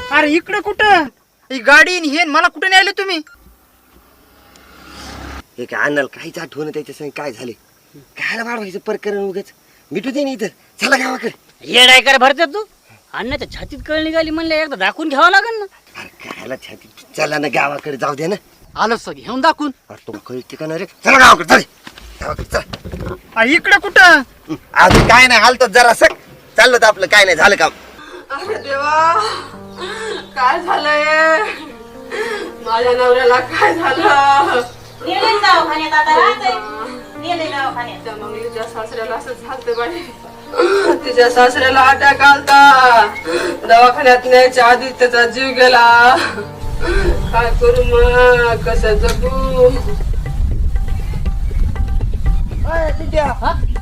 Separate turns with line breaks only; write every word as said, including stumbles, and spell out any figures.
अरे इकडे कुठं ही गाडी आणि हे मला कुठे न्यायले तुम्ही?
हे काय अन्नाला काहीच आठवण त्याच्या संग काय झाले कायला वाढवायचं प्रकरण उगाच मिटू दे नाही तर चला गावाकडे.
येड आहे का भरते तू? अन्नाच्या छातीत कळ निघाली म्हणलं एकदा दाखवून घ्यावं लागेल ना.
अरे कायला छाती चला ना गावाकडे जाऊ दे ना.
आलो सग घेऊन दाखवून.
अरे तुला कळते का ना रे चला गावाकडे चल गावाकडे चल.
अरे इकडे कुठं?
अजून काय नाही हालतो जरा सक चाललं तर आपलं काय नाही झालं काम.
अरे देवा काय झालंय माझ्या नवऱ्याला काय झालं? त्या मग तिच्या सासऱ्याला असं झालं बाई. तिच्या सासऱ्याला अटॅक आलता दवाखान्यात न्यायच्या आधी त्याचा जीव गेला. काय करू मग कसं जगू?